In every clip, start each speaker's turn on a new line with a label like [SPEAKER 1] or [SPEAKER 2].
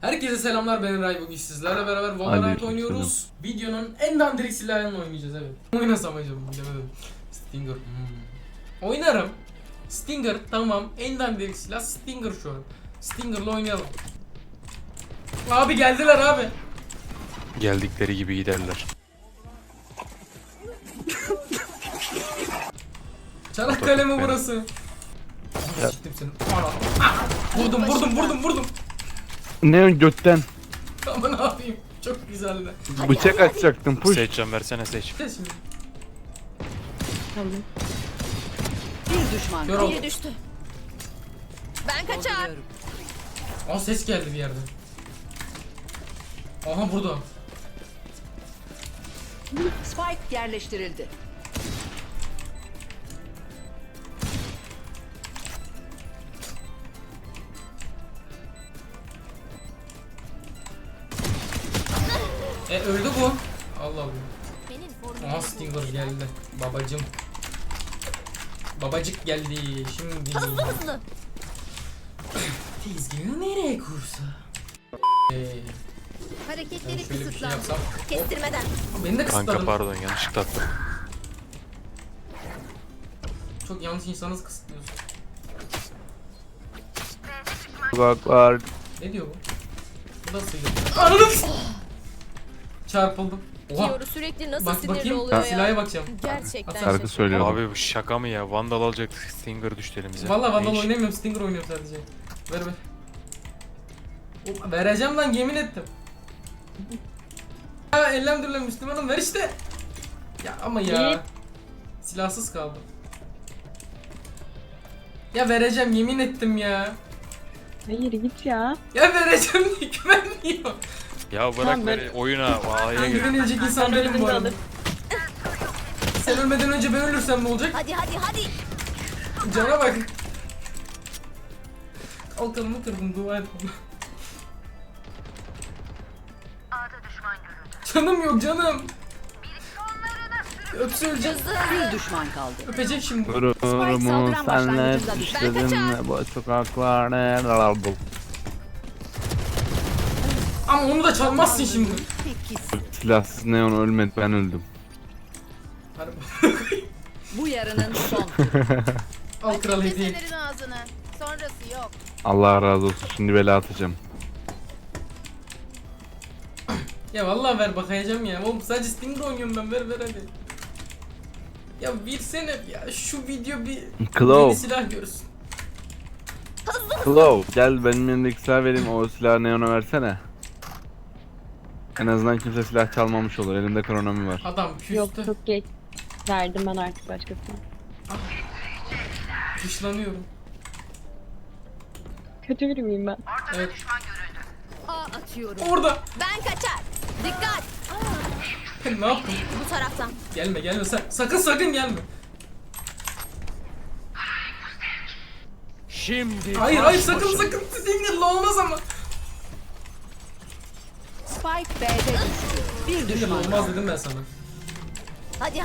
[SPEAKER 1] Herkese selamlar, ben Eray. Bugün sizlerle beraber Valorant
[SPEAKER 2] Aleyküm
[SPEAKER 1] oynuyoruz. Videonun en dandirik silahıyla oynayacağız, evet. Oynasam acaba, bilemedim. Stinger. Oynarım. Stinger, tamam. En dandirik silah Stinger şu an. Stinger'la oynayalım. Abi geldiler abi.
[SPEAKER 3] Geldikleri gibi giderler.
[SPEAKER 1] Çanakkale mi burası? Siktim seni. Ana. Vurdum.
[SPEAKER 2] Ne götten?
[SPEAKER 1] Ama ne yapayım? Çok güzeldi.
[SPEAKER 2] Bıçak açacaktım push.
[SPEAKER 3] Seçcan versene seç.
[SPEAKER 1] Gel şimdi.
[SPEAKER 4] Bir düşman.
[SPEAKER 1] Kör oldu.
[SPEAKER 5] Biri düştü. Ben kaçar.
[SPEAKER 1] Aa, ses geldi bir yerden. Aha, burada.
[SPEAKER 4] Spike yerleştirildi.
[SPEAKER 1] Öldü bu. Allah Allah.
[SPEAKER 5] Benim formum.
[SPEAKER 1] Aha, Stinger geldi. Babacım. Babacık geldi. Şimdi.
[SPEAKER 5] Hızlı.
[SPEAKER 1] Tezgahı nereye kursa? Ben
[SPEAKER 5] Hareketleri
[SPEAKER 1] şöyle bir şey
[SPEAKER 5] kısıtlan.
[SPEAKER 1] yapsam.
[SPEAKER 5] Kestirmeden.
[SPEAKER 1] Beni de
[SPEAKER 3] Kanka
[SPEAKER 1] kısıtladın.
[SPEAKER 3] pardon yanlışlıkla attım.
[SPEAKER 1] Çok yanlış insanız kısıtlıyorsun.
[SPEAKER 2] Bak var.
[SPEAKER 1] Ne diyor bu? Bu da sıyırdı. Anladım. Çarpıldım. Oha.
[SPEAKER 5] Kiyoru sürekli nasıl
[SPEAKER 1] Bak
[SPEAKER 5] sinirli
[SPEAKER 1] bakayım.
[SPEAKER 5] oluyor ya.
[SPEAKER 1] Silah'a bakacağım.
[SPEAKER 5] Gerçekten.
[SPEAKER 1] Şarkı
[SPEAKER 2] Şarkı söylüyorum.
[SPEAKER 3] Abi bu şaka mı ya? Vandal alacaktık, Stinger düştü elimize.
[SPEAKER 1] Valla Vandal
[SPEAKER 3] Ne iş?
[SPEAKER 1] oynamıyorum. Stinger oynuyorum sadece. Ver. Vereceğim lan, yemin ettim. Ya elhamdülillah Müslümanım, ver işte. Ya ama ya. Silahsız kaldım. Ya vereceğim, yemin ettim ya.
[SPEAKER 6] Hayır git ya.
[SPEAKER 1] Ya vereceğim diye güvenmiyor.
[SPEAKER 3] Ya bırak
[SPEAKER 6] Tamam,
[SPEAKER 3] beni oyuna. A'ya
[SPEAKER 1] Ben
[SPEAKER 3] gir.
[SPEAKER 1] güvenilecek insan
[SPEAKER 6] Ben
[SPEAKER 1] benim bu
[SPEAKER 6] ölümünü
[SPEAKER 1] arada.
[SPEAKER 6] alırım.
[SPEAKER 1] Sen ölmeden önce ben ölürsem ne olacak?
[SPEAKER 5] Hadi.
[SPEAKER 1] Cana bak. Kalkanımı kırdım, dua et bana. Canım yok canım. Öpse öleceğim.
[SPEAKER 4] Bir düşman kaldı.
[SPEAKER 1] Öpecek şimdi.
[SPEAKER 2] Gururumu
[SPEAKER 4] saldıran
[SPEAKER 2] senle
[SPEAKER 4] başlangıcında
[SPEAKER 2] düşledim bu sokaklarda lalabul.
[SPEAKER 1] Ama onu da çalmazsın şimdi.
[SPEAKER 2] Silahsız neon ölmedi, ben öldüm.
[SPEAKER 1] Harbi.
[SPEAKER 4] Bu yarının son.
[SPEAKER 1] Al kral hediye.
[SPEAKER 5] Kesenlerin ağzını. Sonrası yok.
[SPEAKER 2] Allah razı olsun, şimdi bela atacağım.
[SPEAKER 1] Ya vallahi ver, bakayacağım ya. Oğlum sadece Stinger oynuyorum ben, ver hadi. Ya versene ya, şu video bir yeni
[SPEAKER 2] Claw,
[SPEAKER 1] silah görsün.
[SPEAKER 2] Claw gel benim yanımdaki silah vereyim, o silahı neona versene. En azından kimse silah çalmamış olur, elimde kronomi var.
[SPEAKER 1] Adam küstü.
[SPEAKER 6] Yok çok geç. Verdim ben artık başkasına.
[SPEAKER 1] Dışlanıyorum.
[SPEAKER 6] Kötü biri miyim ben?
[SPEAKER 1] Evet.
[SPEAKER 4] A atıyorum.
[SPEAKER 1] Orada.
[SPEAKER 5] Ben kaçar. Dikkat.
[SPEAKER 1] Ne yaptın?
[SPEAKER 5] Bu taraftan.
[SPEAKER 1] Gelme sakın gelme.
[SPEAKER 3] Şimdi
[SPEAKER 1] Hayır sakın Stinger'la olmaz ama.
[SPEAKER 4] Spike B'de düştü. Bir
[SPEAKER 1] Stinger'la
[SPEAKER 4] düşman
[SPEAKER 1] olmaz
[SPEAKER 4] kaldı.
[SPEAKER 1] dedim ben sana.
[SPEAKER 5] Hadi.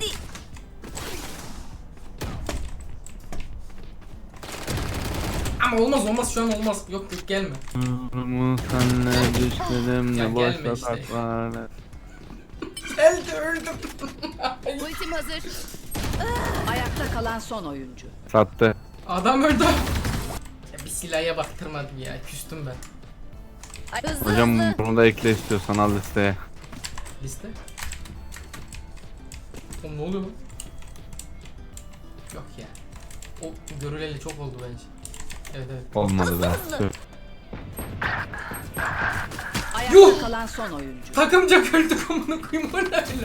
[SPEAKER 1] Ama olmaz şu an olmaz. Yok gelme.
[SPEAKER 2] Gururumu senle düşledim
[SPEAKER 1] Ya
[SPEAKER 2] ne
[SPEAKER 1] gelme
[SPEAKER 2] boş
[SPEAKER 1] işte.
[SPEAKER 2] sokaklarda.
[SPEAKER 1] Geldi, öldüm.
[SPEAKER 5] Ultim hazır.
[SPEAKER 4] Ayakta kalan son oyuncu.
[SPEAKER 2] Sattı.
[SPEAKER 1] Adam öldü. Ya bir silaha baktırmadım ya. Küstüm ben.
[SPEAKER 5] Hızlı.
[SPEAKER 2] Hocam bunu da ekle istiyorsan, al listeye.
[SPEAKER 1] Liste. Oğlum ne oluyor lan? Yok ya. O görüleli çok oldu bence. Evet.
[SPEAKER 2] Olmadı be.
[SPEAKER 5] Hızlı.
[SPEAKER 4] Ayakta
[SPEAKER 1] Yuh!
[SPEAKER 4] kalan son oyuncu.
[SPEAKER 1] Takımca öldük, amına koyayım, o ne öyle?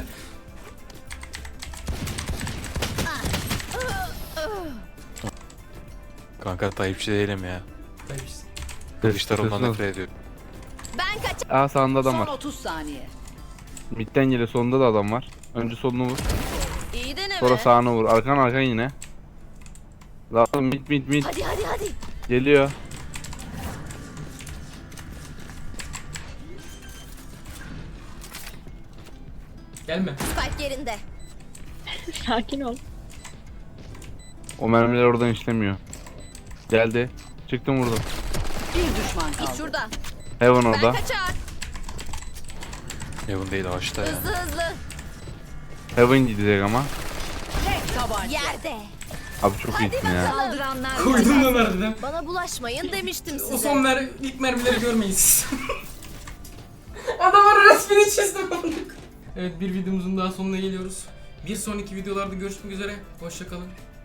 [SPEAKER 3] Kanka Tayyipçi değilim ya.
[SPEAKER 1] Tabii işte.
[SPEAKER 3] Kılıçdaroğlu'ndan nefret ediyorum.
[SPEAKER 5] Ben kaçar.
[SPEAKER 2] Aa, sağında adam
[SPEAKER 4] Son
[SPEAKER 2] var.
[SPEAKER 4] 30 saniye.
[SPEAKER 2] Midden geliyor, sonunda da adam var. Önce solunu vur,
[SPEAKER 5] İyi deneme.
[SPEAKER 2] sonra sağını vur. Arkan yine. Zaten mid
[SPEAKER 5] Hadi.
[SPEAKER 2] geliyor.
[SPEAKER 1] Gelme.
[SPEAKER 5] Spike yerinde.
[SPEAKER 6] Sakin ol.
[SPEAKER 2] O mermiler oradan işlemiyor. Geldi. Çıktım vurdum.
[SPEAKER 4] Bir düşman
[SPEAKER 5] Git
[SPEAKER 4] kaldı.
[SPEAKER 5] şurada.
[SPEAKER 2] Heaven
[SPEAKER 5] Ben
[SPEAKER 2] orada.
[SPEAKER 5] kaçar.
[SPEAKER 3] Evin değil ağaçta ya.
[SPEAKER 5] Hızlı hızlı.
[SPEAKER 2] Heaven gidecek ama.
[SPEAKER 4] Tek tabanca.
[SPEAKER 5] Yerde.
[SPEAKER 2] Abi çok iyisin ya.
[SPEAKER 4] Saldıranlar
[SPEAKER 1] Koydum da nereden?
[SPEAKER 5] Bana bulaşmayın demiştim
[SPEAKER 1] O
[SPEAKER 5] size.
[SPEAKER 1] son ilk mermileri görmeyiz. Adamın resmini çizdim. Evet, bir videomuzun daha sonuna geliyoruz. Bir sonraki videolarda görüşmek üzere. Hoşça kalın.